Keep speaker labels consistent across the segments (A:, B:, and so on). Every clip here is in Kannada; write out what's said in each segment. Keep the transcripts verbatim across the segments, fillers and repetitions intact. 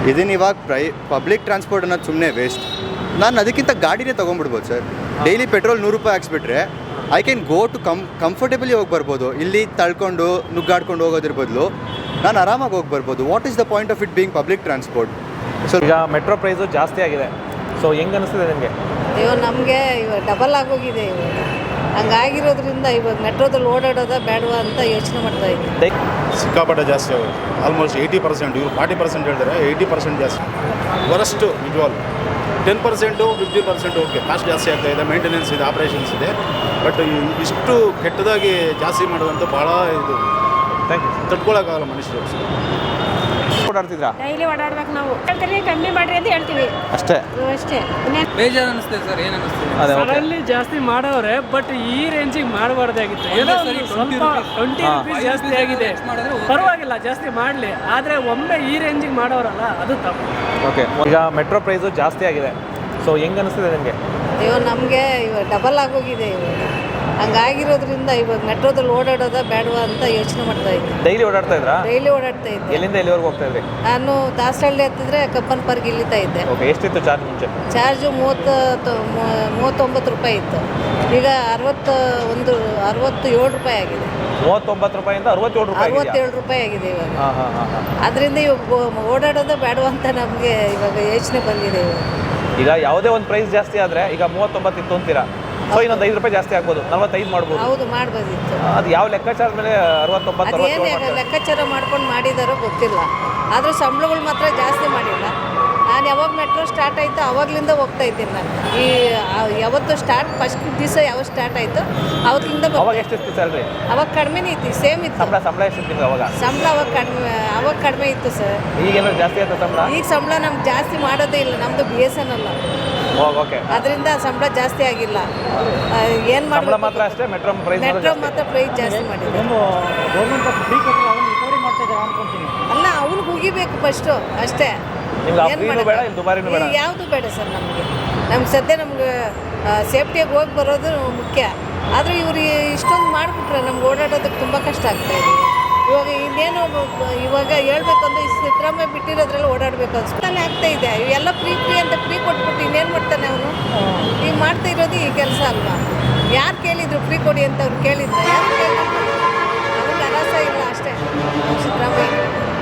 A: ಇದನ್ನು ಇವಾಗ ಪ್ರೈ ಪಬ್ಲಿಕ್ ಟ್ರಾನ್ಸ್ಪೋರ್ಟ್ ಅನ್ನೋದು ಸುಮ್ಮನೆ ವೇಸ್ಟ್. ನಾನು ಅದಕ್ಕಿಂತ ಗಾಡಿನೇ ತೊಗೊಂಡ್ಬಿಡ್ಬೋದು ಸರ್. ಡೈಲಿ ಪೆಟ್ರೋಲ್ ನೂರು ರೂಪಾಯಿ ಹಾಕ್ಸ್ಬಿಟ್ರೆ I can go to come comfortably ಹೋಗಿ ಬರ್ಬೋದು. ಇಲ್ಲಿ ತಳ್ಕೊಂಡು ನುಗ್ಗಾಡ್ಕೊಂಡು ಹೋಗೋದ್ರ ಬದಲು ನಾನು ಆರಾಮಾಗಿ ಹೋಗಿ ಬರ್ಬೋದು. What is the point of it being public transport?
B: So ಈಗ ಮೆಟ್ರೋ ಪ್ರೈಸು ಜಾಸ್ತಿ ಆಗಿದೆ. ಸೊ ಹೆಂಗೆ ಅನಿಸ್ತಿದೆ ನಿಮಗೆ?
C: ಅಯ್ಯೋ ನಮಗೆ ಇವಾಗ ಡಬಲ್ ಆಗೋಗಿದೆ. ಇವಾಗ ಹಂಗಾಗಿರೋದ್ರಿಂದ ಇವಾಗ ಮೆಟ್ರೋದಲ್ಲಿ ಓಡಾಡೋದ ಬೇಡವಾ ಅಂತ ಯೋಚನೆ ಮಾಡ್ತಾ ಇದ್ದೀನಿ.
D: ಸಿಕ್ಕಾಪಟ್ಟೆ ಜಾಸ್ತಿ ಆಗುತ್ತೆ. ಆಲ್ಮೋಸ್ಟ್ ಏಯ್ಟಿ ಪರ್ಸೆಂಟ್ ಇವರು ಫಾರ್ಟಿ ಪರ್ಸೆಂಟ್ ಹೇಳ್ತಾರೆ, ಏಯ್ಟಿ ಪರ್ಸೆಂಟ್ ಜಾಸ್ತಿ. ವರಷ್ಟು ನಿಜವಾಲ್ ten percent fifty percent okay, cost ಜಾಸ್ತಿ ಆಗ್ತಾ ಇದೆ, ಮೇಂಟೆನೆನ್ಸ್ ಇದೆ, ಆಪ್ರೇಷನ್ಸ್ ಇದೆ. ಬಟ್ ಇಷ್ಟು ಕೆಟ್ಟದಾಗಿ ಜಾಸ್ತಿ ಮಾಡೋದಂತ ಭಾಳ ಇದು
B: ಥ್ಯಾಂಕ್ ಯು.
D: ತಡ್ಕೊಳಕ್ಕಾಗಲ್ಲ ಮನುಷ್ಯರು.
B: ಓಡಾಡ್ತಿದ್ರಾ?
E: ಡೈಲಿ ಓಡಾಡ್ಬೇಕು ನಾವು. ಹೇಳ್ತೀವಿ ಕಮ್ಮಿ ಮಾಡ್ರಿ ಅಂತ ಹೇಳ್ತೀವಿ
B: ಅಷ್ಟೇ
E: ಅಷ್ಟೇ.
F: ಬೇಜಾರು ಅನಿಸ್ತದೆ ಸರ್. ಏನು ಅನಿಸ್ತದೆ?
B: ಅದೇ
G: ಅದರಲ್ಲಿ ಜಾಸ್ತಿ ಮಾಡವ್ರೆ, ಬಟ್ ಈ ರೇಂಜಿಗೆ ಮಾಡಬಾರ್ದಾಗಿತ್ತು. ಏನೋ ಒಂದು ಸ್ವಲ್ಪ ಟ್ವೆಂಟಿ ರುಪೀಸ್ ಜಾಸ್ತಿ ಆಗಿದೆ, ಪರವಾಗಿಲ್ಲ ಜಾಸ್ತಿ ಮಾಡಲಿ, ಆದರೆ ಒಮ್ಮೆ ಈ ರೇಂಜಿಗೆ ಮಾಡೋರಲ್ಲ ಅದು ತಪ್ಪು.
B: ಓಕೆ, ಈಗ ಮೆಟ್ರೋ ಪ್ರೈಸು ಜಾಸ್ತಿ ಆಗಿದೆ. ಸೊ ಹೆಂಗೆ ಅನಿಸ್ತಿದೆ ನಿಮಗೆ?
C: ಅಯ್ಯೋ ನಮಗೆ ಇವಾಗ ಡಬಲ್ ಆಗೋಗಿದೆ. ಇವಾಗ ಹಂಗಾಗಿರೋದ್ರಿಂದ ಇವಾಗ ಮೆಟ್ರೋದಲ್ಲಿ ಓಡಾಡೋದ ಬೇಡವಾ ಅಂತ ಯೋಚನೆ ಮಾಡ್ತಾ ಇದ್ದೀನಿ.
B: ಡೈಲಿ ಓಡಾಡ್ತಾ ಇದ್ರಾ?
C: ಡೈಲಿ ಓಡಾಡ್ತಾ ಇದ್ದೆ.
B: ಎಲ್ಲಿಂದ ಎಲ್ಲಿವರೆಗೂ ಹೋಗ್ತಾ ಇದ್ರಿ?
C: ನಾನು ದಾಸಹಳ್ಳಿ ಹತ್ತಿದ್ರೆ ಕಬ್ಬನ್ ಪಾರ್ಕ್ ಇಳಿತಾ ಇದ್ದೆ.
B: ಓಕೆ, ಎಷ್ಟಿತ್ತು ಚಾರ್ಜ್ ಮುಂಚೆ?
C: ಚಾರ್ಜು ಮೂವತ್ತು ಮೂವತ್ತೊಂಬತ್ತು ರೂಪಾಯಿ ಇತ್ತು. ಈಗ ಅರವತ್ತು ಒಂದು ಅರವತ್ತು ಏಳು ರೂಪಾಯಿ ಆಗಿದೆ.
B: ಮೂವತ್ತೊಂಬತ್ತು ರೂಪಾಯಿಂದ ಅರವತ್ತೇಳು ರೂಪಾಯಿ
C: ಅರವತ್ತೇಳು ರೂಪಾಯಿ ಆಗಿದೆ ಇವಾಗ.
B: ಹಾಂ ಹಾಂ ಹಾಂ ಹಾಂ
C: ಅದರಿಂದ ಇವಾಗ ಓಡಾಡೋದ ಬೇಡವಾ ಅಂತ ನಮಗೆ ಇವಾಗ ಯೋಚನೆ ಬಂದಿದೆ. ಇವಾಗ
B: ಈಗ ಯಾವುದೇ ಒಂದು ಪ್ರೈಸ್ ಜಾಸ್ತಿ ಆದರೆ ಈಗ ಮೂವತ್ತೊಂಬತ್ತು ಇತ್ತು ಅಂತೀರಾ, ಸೊ ಇನ್ನೊಂದು ಐದು ರೂಪಾಯಿ ಜಾಸ್ತಿ ಆಗ್ಬೋದು, ನಲ್ವತ್ತೈದು ಮಾಡ್ಬೋದು.
C: ಹೌದು, ಮಾಡ್ಬೋದಿತ್ತು.
B: ಅದು ಯಾವ ಲೆಕ್ಕಾಚಾರದ ಮೇಲೆ ಅರವತ್ತೊಂಬತ್ತು
C: ಅದೇನು ಲೆಕ್ಕಾಚಾರ ಮಾಡ್ಕೊಂಡು ಮಾಡಿದಾರೋ ಗೊತ್ತಿಲ್ಲ, ಆದರೂ ಸಂಬಳಗಳು ಮಾತ್ರ ಜಾಸ್ತಿ ಮಾಡಿಲ್ಲ. ನಾನು ಯಾವಾಗ ಮೆಟ್ರೋ ಸ್ಟಾರ್ಟ್ ಆಯಿತು ಆವಾಗಲಿಂದ ಹೋಗ್ತಾ ಇದ್ದೀನಿ. ನಾನು ಈ ಯಾವತ್ತು ಸ್ಟಾರ್ಟ್ ಫಸ್ಟ್ ದಿವಸ ಯಾವಾಗ ಸ್ಟಾರ್ಟ್ ಆಯಿತು ಅವತ್ತಿಂದ
B: ಅವಾಗ ಎಷ್ಟಿತ್ತು ಸ್ಯಾಲ್ರಿ?
C: ಅವಾಗ ಕಡಿಮೆನೇ ಇತ್ತು, ಸೇಮ್ ಇತ್ತು.
B: ಸಂಬಳ ಸಂಬಳ ಎಷ್ಟಿತ್ತು ನಿಮ್ಗೆ ಅವಾಗ?
C: ಸಂಬಳ ಅವಾಗ ಕಡಿಮೆ ಅವಾಗ ಕಡಿಮೆ ಇತ್ತು ಸರ್.
B: ಈಗೇನೋ ಜಾಸ್ತಿ ಆಯ್ತು ಸಂಬಳ?
C: ಈಗ ಸಂಬಳ ನಮ್ಗೆ ಜಾಸ್ತಿ ಮಾಡೋದೇ ಇಲ್ಲ, ನಮ್ಮದು ಬಿ ಎಸ್ ಎನ್ ಅಲ್ಲ.
B: ಓಕೆ,
C: ಅದರಿಂದ ಸಂಬಳ ಜಾಸ್ತಿ ಆಗಿಲ್ಲ. ಏನು
B: ಸಂಬಳ
C: ಮಾಡಬೇಕು
B: ಮಾತ್ರ ಅಷ್ಟೇ, ಮೆಟ್ರೋ ಪ್ರೈಸ್
C: ಮೆಟ್ರೋ ಮಾತ್ರ ಪ್ರೈಸ್ ಜಾಸ್ತಿ ಮಾಡಿದೆ. ಅಲ್ಲ, ಅವ್ನಿಗೆ ಮುಗಿಬೇಕು ಫಸ್ಟು ಅಷ್ಟೇ.
B: ನಿಮ್ಗೆ ಆ ಫ್ರೀನೂ ಬೇಡ, ಇಲ್ಲಿ ದುಬಾರಿನೂ ಬೇಡ?
C: ಯಾವುದು ಬೇಡ ಸರ್ ನಮಗೆ. ನಮ್ಗೆ ಸದ್ಯ ನಮ್ಗೆ ಸೇಫ್ಟಿಯಾಗಿ ಹೋಗಿ ಬರೋದು ಮುಖ್ಯ. ಆದರೆ ಇವ್ರು ಇಷ್ಟೊಂದು ಮಾಡಿಬಿಟ್ರೆ ನಮ್ಗೆ ಓಡಾಡೋದಕ್ಕೆ ತುಂಬ ಕಷ್ಟ ಆಗ್ತಾಯಿದೆ. ಇವಾಗ ಇನ್ನೇನು ಇವಾಗ ಹೇಳ್ಬೇಕಂದ್ರೆ ಈ ಸಿದ್ದರಾಮಯ್ಯ ಬಿಟ್ಟಿರೋದ್ರಲ್ಲಿ ಓಡಾಡಬೇಕು ಅನ್ಸ್ತಾನೆ ಆಗ್ತಾ ಇದೆ. ಇವೆಲ್ಲ ಫ್ರೀ ಫ್ರೀ ಅಂತ ಫ್ರೀ ಕೊಟ್ಬಿಟ್ಟು ಇನ್ನೇನು ಮಾಡ್ತಾನೆ ಅವನು? ಈಗ ಮಾಡ್ತಾ ಇರೋದು ಈ ಕೆಲಸ ಅಲ್ವಾ? ಯಾರು ಕೇಳಿದ್ರು ಫ್ರೀ ಕೊಡಿ ಅಂತ ಅವ್ರು ಕೇಳಿದ್ರು? ಯಾರು ಕೇಳಿದ್ರು? ನಮಗೆ ಅರಸ ಇಲ್ಲ ಅಷ್ಟೇ ಸಿದ್ದರಾಮಯ್ಯ.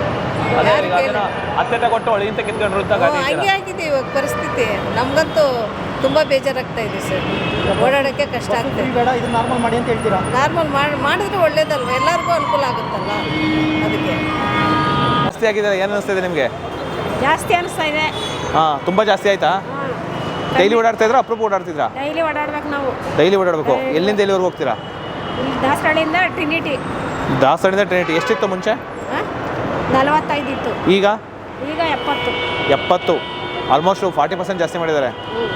B: ಅತ್ತೆ ಕೊಟ್ಟು ಒಳಗಿಂತ ಕಿತ್ಕೊಂಡ್ರು ಅಂತ
C: ಹಂಗೆ ಆಗಿದೆ ಇವಾಗ ಪರಿಸ್ಥಿತಿ. ನಮಗಂತೂ ತುಂಬ ಬೇಜಾರಾಗ್ತಾ ಇದೆ ಸರ್. ಓಡಾಡೋಕ್ಕೆ ಕಷ್ಟ ಆಗ್ತದೆ.
F: ಇದು ನಾರ್ಮಲ್ ಮಾಡಿ ಅಂತ ಹೇಳ್ತೀರಾ?
C: ನಾರ್ಮಲ್ ಮಾಡಿ ಮಾಡಿದ್ರೆ ಒಳ್ಳೇದಲ್ವ, ಎಲ್ಲರಿಗೂ ಅನುಕೂಲ ಆಗುತ್ತಲ್ಲ. ಅದಕ್ಕೆ
B: ಜಾಸ್ತಿ ಆಗಿದೆ. ಏನು ಅನಿಸ್ತಿದೆ ನಿಮಗೆ?
E: ಜಾಸ್ತಿ ಅನಿಸ್ತಾ ಇದೆ.
B: ಹಾಂ, ತುಂಬ ಜಾಸ್ತಿ ಆಯ್ತಾ? ಡೈಲಿ ಓಡಾಡ್ತಾ ಇದ್ರಾ ಅಪ್ರೂಪ್ ಓಡಾಡ್ತಿದ್ರಾ?
E: ಡೈಲಿ ಓಡಾಡ್ಬೇಕು ನಾವು.
B: ಡೈಲಿ ಓಡಾಡಬೇಕು. ಎಲ್ಲಿಂದ ಎಲ್ಲಿವರೆಗೂ ಹೋಗ್ತೀರಾ?
E: ಇಲ್ಲಿ ದಾಸರಳ್ಳಿಯಿಂದ ಟ್ರಿನಿಟಿ.
B: ದಾಸರಳ್ಳಿಯಿಂದ ಟ್ರಿನಿಟಿ ಎಷ್ಟಿತ್ತು ಮುಂಚೆ?
E: ನಲವತ್ತೈದು ಇತ್ತು,
B: ಈಗ
E: ಈಗ ಎಪ್ಪತ್ತು.
B: ಎಪ್ಪತ್ತು, ಆಲ್ಮೋಸ್ಟ್ ಫಾರ್ಟಿ ಪರ್ಸೆಂಟ್ ಜಾಸ್ತಿ ಮಾಡಿದ್ದಾರೆ.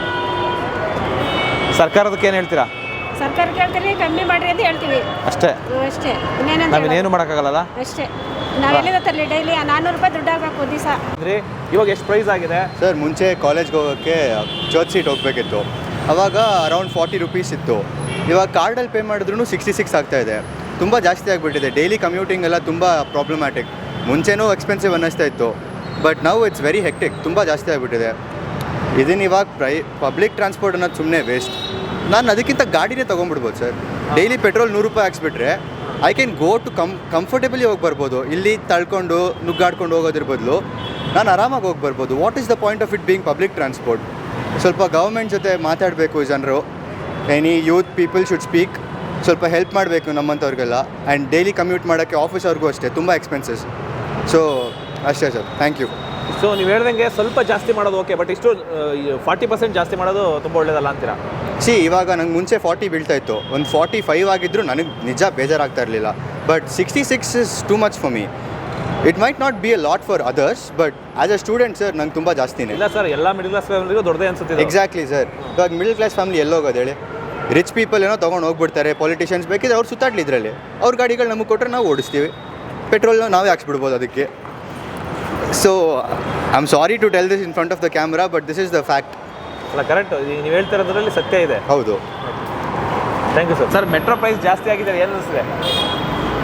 B: ಸರ್ಕಾರದಕ್ಕೆ ಏನು ಹೇಳ್ತೀರಾ?
E: ಸರ್ಕಾರಕ್ಕೆ ಹೇಳ್ತೀವಿ ಕಮ್ಮಿ ಮಾಡ್ರಿ ಅಂತ ಹೇಳ್ತೀವಿ
B: ಅಷ್ಟೇ
E: ಅಷ್ಟೇ. ಇನ್ನೇನಂತ
B: ನಾವೇನೇನು ಮಾಡೋಕ್ಕಾಗಲ್ಲ
E: ಅಷ್ಟೇ. ನಾವು ಎಲ್ಲಿಂದ ತರಲಿ? ಡೈಲಿ ನಾನ್ನೂರು ರೂಪಾಯಿ ದುಡ್ಡು ಆಗಬೇಕು ದಿವಸ.
B: ಅಂದರೆ ಇವಾಗ ಎಷ್ಟು ಪ್ರೈಸ್ ಆಗಿದೆ
A: ಸರ್? ಮುಂಚೆ ಕಾಲೇಜ್ಗೆ ಹೋಗೋಕ್ಕೆ ಚರ್ಚ್ ಸೀಟ್ ಹೋಗಬೇಕಿತ್ತು, ಆವಾಗ ಅರೌಂಡ್ ಫಾರ್ಟಿ ರುಪೀಸ್ ಇತ್ತು. ಇವಾಗ ಕಾರ್ಡಲ್ಲಿ ಪೇ ಮಾಡಿದ್ರೂ ಸಿಕ್ಸ್ಟಿ ಸಿಕ್ಸ್ ಆಗ್ತಾಯಿದೆ. ತುಂಬ ಜಾಸ್ತಿ ಆಗಿಬಿಟ್ಟಿದೆ. ಡೈಲಿ ಕಮ್ಯೂಟಿಂಗ್ ಎಲ್ಲ ತುಂಬ ಪ್ರಾಬ್ಲಮ್ಯಾಟಿಕ್. ಮುಂಚೆನೂ ಎಕ್ಸ್ಪೆನ್ಸಿವ್ ಅನ್ನಿಸ್ತಾ ಇತ್ತು, ಬಟ್ ನಾವು ಇಟ್ಸ್ ವೆರಿ ಹೆಕ್ಟಿಕ್. ತುಂಬ ಜಾಸ್ತಿ ಆಗಿಬಿಟ್ಟಿದೆ. ಇದನ್ನು ಇವಾಗ ಪ್ರೈ ಪಬ್ಲಿಕ್ ಟ್ರಾನ್ಸ್ಪೋರ್ಟ್ ಅನ್ನೋದು ಸುಮ್ಮನೆ ವೇಸ್ಟ್. ನಾನು ಅದಕ್ಕಿಂತ ಗಾಡಿನೇ ತೊಗೊಂಡ್ಬಿಡ್ಬೋದು ಸರ್. ಡೈಲಿ ಪೆಟ್ರೋಲ್ ನೂರು ರೂಪಾಯಿ ಹಾಕ್ಸ್ಬಿಟ್ರೆ I can go to come comfortably ಹೋಗಿ ಬರ್ಬೋದು. ಇಲ್ಲಿ ತಳ್ಕೊಂಡು ನುಗ್ಗಾಡ್ಕೊಂಡು ಹೋಗೋದ್ರ ಬದಲು ನಾನು ಆರಾಮಾಗಿ ಹೋಗಿ ಬರ್ಬೋದು. What is the point of it being public transport? ಸ್ವಲ್ಪ ಗೌರ್ಮೆಂಟ್ ಜೊತೆ ಮಾತಾಡಬೇಕು ಜನರು. Any youth people should speak. ಸ್ವಲ್ಪ ಹೆಲ್ಪ್ ಮಾಡಬೇಕು ನಮ್ಮಂಥವ್ರಿಗೆಲ್ಲ. ಆ್ಯಂಡ್ ಡೈಲಿ ಕಮ್ಯೂಟ್ ಮಾಡೋಕ್ಕೆ ಆಫೀಸವ್ರಿಗೂ ಅಷ್ಟೇ ತುಂಬ ಎಕ್ಸ್ಪೆನ್ಸಸ್. ಸೊ ಅಷ್ಟೇ ಸರ್, ಥ್ಯಾಂಕ್ ಯು.
B: ಸೊ ನೀವು ಹೇಳ್ದಂಗೆ ಸ್ವಲ್ಪ ಜಾಸ್ತಿ ಮಾಡೋದು ಓಕೆ, ಬಟ್ ಇಷ್ಟು ಫಾರ್ಟಿ ಪರ್ಸೆಂಟ್ ಜಾಸ್ತಿ ಮಾಡೋದು ತುಂಬ ಒಳ್ಳೇದಲ್ಲ ಅಂತೀರಾ?
A: ಸಿ, ಇವಾಗ ನಂಗೆ ಮುಂಚೆ ಫಾರ್ಟಿ ಬೀಳ್ತಾ ಇತ್ತು, ಒಂದು ಫಾರ್ಟಿ ಫೈವ್ ಆಗಿದ್ದರೂ ನನಗೆ ನಿಜ ಬೇಜಾರಾಗ್ತಾ ಇರಲಿಲ್ಲ. But sixty six is too much for me. It might not be a lot for others, but as a student sir ನಂಗೆ ತುಂಬ ಜಾಸ್ತಿನೇ.
B: ಇಲ್ಲ ಸರ್, ಎಲ್ಲ ಮಿಡಲ್ ಕ್ಲಾಸ್ ಫ್ಯಾಮಿಲಿಗೂ ದೊಡ್ಡದೇ ಅನ್ಸುತ್ತೆ.
A: Exactly sir. ಇವಾಗ ಮಿಡಲ್ ಕ್ಲಾಸ್ ಫ್ಯಾಮಿಲಿ ಎಲ್ಲೋಗೋದು ಹೇಳಿ? ರಿಚ್ ಪೀಪಲ್ ಏನೋ ತೊಗೊಂಡು ಹೋಗ್ಬಿಡ್ತಾರೆ. ಪೊಲಿಟಿಷಿಯನ್ಸ್ ಬೇಕಿದ್ರೆ ಅವ್ರು ಸುತ್ತಾಡ್ಲಿ ಇದರಲ್ಲಿ. ಅವ್ರ ಗಾಡಿಗಳು ನಮಗೆ ಕೊಟ್ಟರೆ ನಾವು ಓಡಿಸ್ತೀವಿ, ಪೆಟ್ರೋಲ್ನ ನಾವೇ ಹಾಕ್ಸ್ಬಿಡ್ಬೋದು ಅದಕ್ಕೆ. So I am sorry to tell this in front of the camera, but this is the fact.
B: ಅಲ್ಲ, ಕರೆಕ್ಟ್. ನೀವು ಹೇಳ್ತಿರೋದ್ರಲ್ಲಿ ಸತ್ಯ ಇದೆ.
A: ಹೌದು.
B: Thank you sir. Sir, metro price ಜಾಸ್ತಿ ಆಗಿದೆ, ಏನು ಅನಿಸ್ತಿದೆ?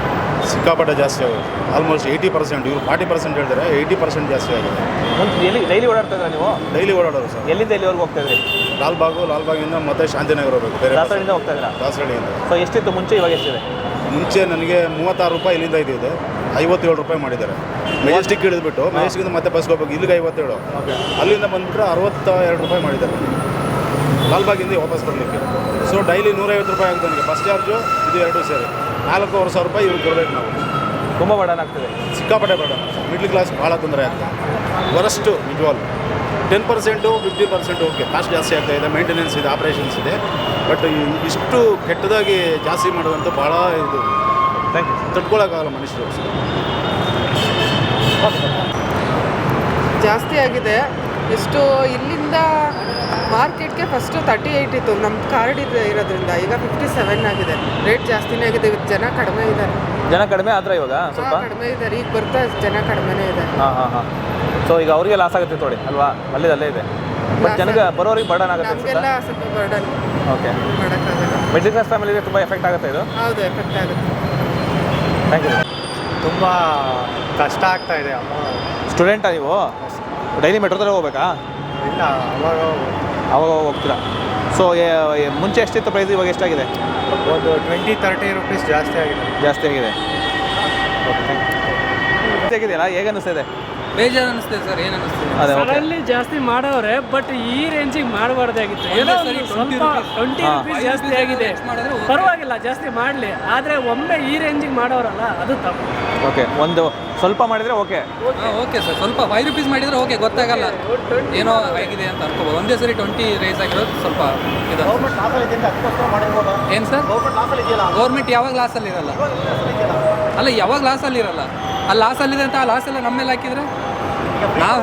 D: ಸಿಕ್ಕಾಪಟ್ಟೆ ಜಾಸ್ತಿ ಆಗುತ್ತೆ. ಆಲ್ಮೋಸ್ಟ್ ಏಯ್ಟಿ ಪರ್ಸೆಂಟ್ ಇವರು ಫಾರ್ಟಿ ಪರ್ಸೆಂಟ್ ಹೇಳ್ತಾರೆ, ಏಯ್ಟಿ ಪರ್ಸೆಂಟ್ ಜಾಸ್ತಿ ಆಗಿದೆ.
B: ಮುಂಚೆ ಎಲ್ಲಿ ಡೈಲಿ ಓಡಾಡ್ತಾ ಇದ್ರ ನೀವು?
D: ಡೈಲಿ ಓಡಾಡೋರು ಸರ್.
B: ಎಲ್ಲಿಂದ ಎಲ್ಲಿವರೆಗೂ ಹೋಗ್ತಾ ಇದ್ರಿ?
D: ಲಾಲ್ಬಾಗು, ಲಾಲ್ಬಾಗಿಂದ ಮತ್ತೆ ಶಾಂತಿನಗರ ಹೋಗಬೇಕು. ಬೇರೆ
B: ದಾಸರಳ್ಳಿಯಿಂದ ಹೋಗ್ತಾ ಇದ್ರಾ?
D: ದಾಸರಳ್ಳಿಯಿಂದ.
B: ಸೊ ಎಷ್ಟಿತ್ತು ಮುಂಚೆ, ಇವಾಗ ಎಷ್ಟಿದೆ?
D: ಮುಂಚೆ ನನಗೆ ಮೂವತ್ತಾರು ರೂಪಾಯಿ ಇಲ್ಲಿಂದ ಇದ್ದಿದ್ದು, ಐವತ್ತೇಳು ರೂಪಾಯಿ ಮಾಡಿದ್ದಾರೆ. ಮೆಜೆಸ್ಟಿಕ್ ಹಿಡಿದ್ಬಿಟ್ಟು ಮೆಜೆಸ್ಟಿಕ್ಕಿಂದ ಮತ್ತೆ ಬಸ್ಗೆ ಹೋಗ್ಬೇಕು, ಇಲ್ಲಿಗೆ ಐವತ್ತೇಳು, ಅಲ್ಲಿಂದ ಬಂದುಬಿಟ್ರೆ ಅರವತ್ತ ಎರಡು ರೂಪಾಯಿ ಮಾಡಿದ್ದಾರೆ ಲಾಲ್ಬಾಗಿಂದ ವಾಪಸ್ ಬರಲಿಕ್ಕೆ. ಸೊ ಡೈಲಿ ನೂರೈವತ್ತು ರೂಪಾಯಿ ಆಗುತ್ತೆ ನನಗೆ ಬಸ್ ಚಾರ್ಜು, ಇದು ಎರಡು ಸೇರಿ ನಾಲ್ಕೂವರೆ ಸಾವಿರ ರೂಪಾಯಿ ಇವ್ರು ಕೊಡಬೇಕು ನಾವು.
B: ತುಂಬ ಬಡನ್ ಆಗ್ತದೆ,
D: ಸಿಕ್ಕಾಪಟ್ಟೆ ಬೇಡ. ಮಿಡ್ಲ್ ಕ್ಲಾಸ್ ಭಾಳ ತೊಂದರೆ ಆಗ್ತದೆ. ವರಷ್ಟು ನಿಜವಾಲ್ ten percent fifty percent okay, cost ಜಾಸ್ತಿ ಆಗ್ತಾ ಇದೆ, ಮೇಂಟೆನೆನ್ಸ್ ಇದೆ, ಆಪ್ರೇಷನ್ಸ್ ಇದೆ. ಬಟ್ ಇಷ್ಟು ಕೆಟ್ಟದಾಗಿ ಜಾಸ್ತಿ ಮಾಡೋದಂತೂ ಭಾಳ ಇದು
B: ಥ್ಯಾಂಕ್ ಯು.
D: ತಡ್ಕೊಳಕ್ಕಾಗಲ್ಲ ಮನುಷ್ಯರು.
H: ಜಾಸ್ತಿ ಆಗಿದೆ. ಎಷ್ಟು ಇಲ್ಲಿಂದ ಮಾರ್ಕೆಟ್ಗೆ ಫಸ್ಟು ತರ್ಟಿ ಏಯ್ಟ್ ಇತ್ತು ನಮ್ಮ ಕಾರ್ಡ್ ಇದೆ ಇರೋದ್ರಿಂದ, ಈಗ ಫಿಫ್ಟಿ ಸೆವೆನ್ ಆಗಿದೆ. ರೇಟ್ ಜಾಸ್ತಿನೇ ಆಗಿದೆ. ಜನ ಕಡಿಮೆ ಇದ್ದಾರೆ.
B: ಜನ ಕಡಿಮೆ ಆದ್ರೆ ಇವಾಗ ಸ್ವಲ್ಪ
H: ಕಡಿಮೆ ಇದ್ದಾರೆ. ಈಗ ಬರ್ತಾ ಜನ ಕಡಿಮೆನೇ ಇದೆ.
B: ಹಾಂ ಹಾಂ ಹಾಂ ಸೊ ಈಗ ಅವರಿಗೆ ಲಾಸ್ ಆಗುತ್ತೆ ನೋಡಿ ಅಲ್ವಾ, ಅಲ್ಲೇ ಅಲ್ಲೇ ಇದೆ. ಬಟ್ ಜನಗೆ ಬರೋರಿಗೆ ಬರ್ಡನ್ ಆಗುತ್ತೆ
H: ನಮಗೆಲ್ಲ ಸ್ವಲ್ಪ ಬರ್ಡನ್
B: ಓಕೆ.
H: ಮಾಡೋಕ್ಕಾಗಲ್ಲ.
B: ಮಿಡ್ಲ್ ಕ್ಲಾಸ್ ಫ್ಯಾಮಿಲಿಗೆ ತುಂಬ ಎಫೆಕ್ಟ್ ಆಗುತ್ತೆ ಇದು.
H: ಹೌದು, ಎಫೆಕ್ಟ್ ಆಗುತ್ತೆ.
B: Thank you.
A: ತುಂಬ ಕಷ್ಟ ಆಗ್ತಾ ಇದೆ.
B: ಸ್ಟೂಡೆಂಟಾ ನೀವು? ಡೈಲಿ ಮೆಟ್ರೋದಲ್ಲಿ ಹೋಗ್ಬೇಕಾ?
A: ಇಲ್ಲ, ಅವಾಗ
B: ಅವಾಗ ಹೋಗ್ತೀರಾ. ಸೊ ಮುಂಚೆ ಎಷ್ಟಿತ್ತು ಪ್ರೈಸ್, ಇವಾಗ ಎಷ್ಟಾಗಿದೆ?
A: ಒಂದು ಟ್ವೆಂಟಿ ತರ್ಟಿ ರುಪೀಸ್ ಜಾಸ್ತಿ ಆಗಿದೆ.
B: ಜಾಸ್ತಿ ಆಗಿದೆ. Okay thank you. ಹೇಗಿದೆಯಲ್ಲ, ಹೇಗೆ ಅನ್ನಿಸ್ತಿದೆ?
F: ಬೇಜಾರು ಅನಿಸ್ತದೆ ಸರ್, ಏನು ಅನಿಸ್ತದೆ?
B: ಅದೇ ಓಕೆ.
G: ಸಡನ್ಲಿ ಜಾಸ್ತಿ ಮಾಡವ್ರೆ, ಬಟ್ ಈ ರೇಂಜಿಗೆ ಮಾಡಬಾರ್ದಾಗಿತ್ತು. ಏನೋ
F: ಸರಿ,
G: ಒಂದು ಸ್ವಲ್ಪ ಟ್ವೆಂಟಿ
B: ಹಾ.
G: ರುಪೀಸ್ ಜಾಸ್ತಿ ಆಗಿದೆ,
F: ಮಾಡಿದ್ರೆ ಓಕೆ.
G: ಪರವಾಗಿಲ್ಲ ಜಾಸ್ತಿ ಮಾಡಲಿ, ಆದರೆ ಒಮ್ಮೆ ಈ ರೇಂಜಿಗೆ ಮಾಡೋರಲ್ಲ ಅದು ತಪ್ಪು.
B: ಓಕೆ, ಒಂದು ಸ್ವಲ್ಪ ಮಾಡಿದರೆ ಓಕೆ.
F: ಹಾಂ ಓಕೆ ಸರ್, ಸ್ವಲ್ಪ ಫೈವ್ ರುಪೀಸ್ ಮಾಡಿದರೆ ಓಕೆ, ಗೊತ್ತಾಗಲ್ಲ ಏನೋ ಆಗಿದೆ ಅಂತ ಅನ್ಕೋಬೋದು. ಒಂದೇ ಸರಿ ಟ್ವೆಂಟಿ ರೇಸ್ ಆಗಿರೋದು ಸ್ವಲ್ಪ ಇದು. ಏನು ಸರ್? ಗೌರ್ಮೆಂಟ್ ಯಾವಾಗ ಲಾಸಲ್ಲಿ ಇರಲ್ಲ ಅಲ್ಲ, ಯಾವಾಗ ಲಾಸಲ್ಲಿ ಇರಲ್ಲ. ಆ ಲಾಸಲ್ಲಿದೆ ಅಂತ ಆ ಲಾಸೆಲ್ಲ ನಮ್ಮ ಮೇಲೆ ಹಾಕಿದರೆ ನಾವು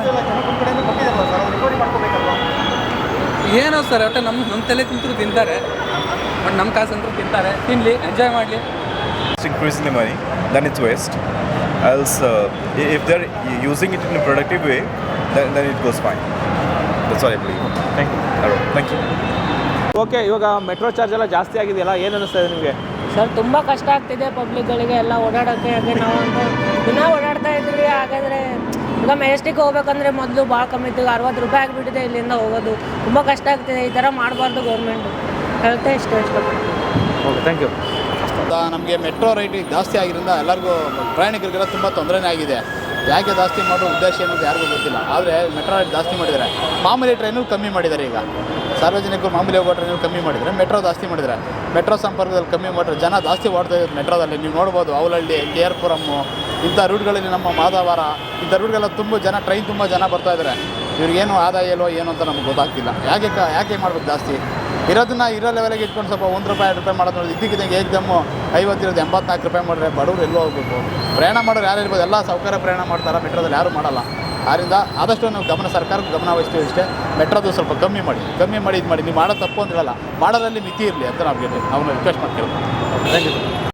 F: ಏನೋ ಸರ್, ಒಟ್ಟು ನಮ್ಮ ನಮ್ಮ ತಲೆ ತಿಂತರು ತಿಂತಾರೆ, ಬಟ್ ನಮ್ಮ ಕಾಸಂತರೂ ತಿಂತಾರೆ, ತಿನ್ನಲಿ, ಎಂಜಾಯ್ ಮಾಡಲಿ.
I: Increasing the money, then it's waste. Else, uh, if they're using it in a productive way, then, then it goes fine. That's all I believe.
B: Thank you.
I: All right. Thank you.
B: Okay, ಇವಾಗ ಮೆಟ್ರೋ ಚಾರ್ಜ್ ಎಲ್ಲ ಜಾಸ್ತಿ ಆಗಿದೆಯಲ್ಲ, ಏನು ಅನ್ನಿಸ್ತಾ ಇದೆ ನಿಮಗೆ?
E: ಸರ್ ತುಂಬ ಕಷ್ಟ ಆಗ್ತಿದೆ ಪಬ್ಲಿಕ್ಗಳಿಗೆ ಎಲ್ಲ ಓಡಾಡೋಕ್ಕೆ. ಹಾಗೆ ನಾವು ಒಂದು ದಿನ ಓಡಾಡ್ತಾ ಇದ್ವಿ. ಹಾಗಾದರೆ ಈಗ ಮೆಜೆಸ್ಟಿಕ್ ಹೋಗ್ಬೇಕಂದ್ರೆ ಮೊದಲು ಭಾಳ ಕಮ್ಮಿ ಇತ್ತು, ಅರವತ್ತು ರೂಪಾಯಿ ಆಗಿಬಿಟ್ಟಿದೆ ಇಲ್ಲಿಂದ ಹೋಗೋದು. ತುಂಬ ಕಷ್ಟ ಆಗ್ತಿದೆ. ಈ ಥರ ಮಾಡಬಾರ್ದು ಗೌರ್ಮೆಂಟು. ಹೇಳ್ತಾ ಇಷ್ಟು ಇಷ್ಟಪಡ್ತೀನಿ.
B: Okay thank you.
J: ನಮಗೆ ಮೆಟ್ರೋ ರೈಟ್ ಜಾಸ್ತಿ ಆಗಿರೋದ್ರಿಂದ ಎಲ್ಲರಿಗೂ ಪ್ರಯಾಣಿಕರಿಗೆಲ್ಲ ತುಂಬ ತೊಂದರೆನೇ ಆಗಿದೆ. ಯಾಕೆ ಜಾಸ್ತಿ ಮಾಡೋ ಉದ್ದೇಶ ಏನಂತ ಯಾರಿಗೂ ಗೊತ್ತಿಲ್ಲ. ಆದರೆ ಮೆಟ್ರೋ ರೈಟ್ ಜಾಸ್ತಿ ಮಾಡಿದ್ದಾರೆ. ಮಾಮೂಲಿ ಟ್ರೈನು ಕಮ್ಮಿ ಮಾಡಿದ್ದಾರೆ. ಈಗ ಸಾರ್ವಜನಿಕರು ಮಾಮೂಲಿ ಹೋಗೋ ಟ್ರೈನು ಕಮ್ಮಿ ಮಾಡಿದರೆ, ಮೆಟ್ರೋ ಜಾಸ್ತಿ ಮಾಡಿದ್ದಾರೆ. ಮೆಟ್ರೋ ಸಂಪರ್ಕದಲ್ಲಿ ಕಮ್ಮಿ ಮಾಡಿದ್ರೆ ಜನ ಜಾಸ್ತಿ ಓಡ್ತಾ ಇದ್ದಾರೆ ಮೆಟ್ರೋದಲ್ಲಿ. ನೀವು ನೋಡ್ಬೋದು ಅವಲಹಳ್ಳಿ, ಕೆ ಆರ್ ಪುರಮ್ಮು ಇಂಥ ರೂಟ್ಗಳಲ್ಲಿ, ನಮ್ಮ ಮಾದಾವರ ಇಂಥ ರೂಟ್ಗೆಲ್ಲ ತುಂಬ ಜನ, ಟ್ರೈನ್ ತುಂಬ ಜನ ಬರ್ತಾ ಇದ್ದಾರೆ. ಇವ್ರಿಗೇನು ಆದಾಯ ಇಲ್ಲೋ ಏನು ಅಂತ ನಮ್ಗೆ ಗೊತ್ತಾಗ್ತಿಲ್ಲ. ಯಾಕೆ ಕ ಯಾಕೆ ಮಾಡ್ಬೇಕು ಜಾಸ್ತಿ? ಇರೋದನ್ನ ಇರೋ ಲೆವೆಲಿಗೆ ಇಟ್ಕೊಂಡು ಸ್ವಲ್ಪ ಒಂದು ರೂಪಾಯಿ ಎರಡು ರೂಪಾಯಿ ಮಾಡೋದು ನೋಡಿ. ಇದ್ದಕ್ಕಿದ್ದಂಗೆ ಏಕ್ದಮ್ಮು ಐವತ್ತಿರೋದು ಎಂಬತ್ನಾಲ್ಕು ರೂಪಾಯಿ ಮಾಡಿದ್ರೆ ಬಡವ್ರು ಎಲ್ಲೋ ಹೋಗ್ಬೇಕು. ಪ್ರಯಾಣ ಮಾಡೋರು ಯಾರು ಇರ್ಬೋದು, ಎಲ್ಲ ಸೌಕರ್ಯ ಪ್ರಯಾಣ ಮಾಡ್ತಾರೆ, ಮೆಟ್ರೋದಲ್ಲಿ ಯಾರೂ ಮಾಡಲ್ಲ. ಆದ್ದರಿಂದ ಆದಷ್ಟು ನಾವು ಗಮನ, ಸರ್ಕಾರಕ್ಕೆ ಗಮನ ವಹಿಸ್ತೀವಿ ಇಷ್ಟೇ. ಮೆಟ್ರೋದು ಸ್ವಲ್ಪ ಕಮ್ಮಿ ಮಾಡಿ, ಕಮ್ಮಿ ಮಾಡಿ ಇದು ಮಾಡಿ. ನೀವು ಮಾಡೋ ತಪ್ಪು ಅಂತ ಹೇಳಲ್ಲ, ಮಾಡೋದ್ರಲ್ಲಿ ಮಿತಿ ಇರಲಿ ಅಂತ ನಾವು ನಾವು ರಿಕ್ವೆಸ್ಟ್ ಮಾಡ್ತೀವಿ.
B: Thank you.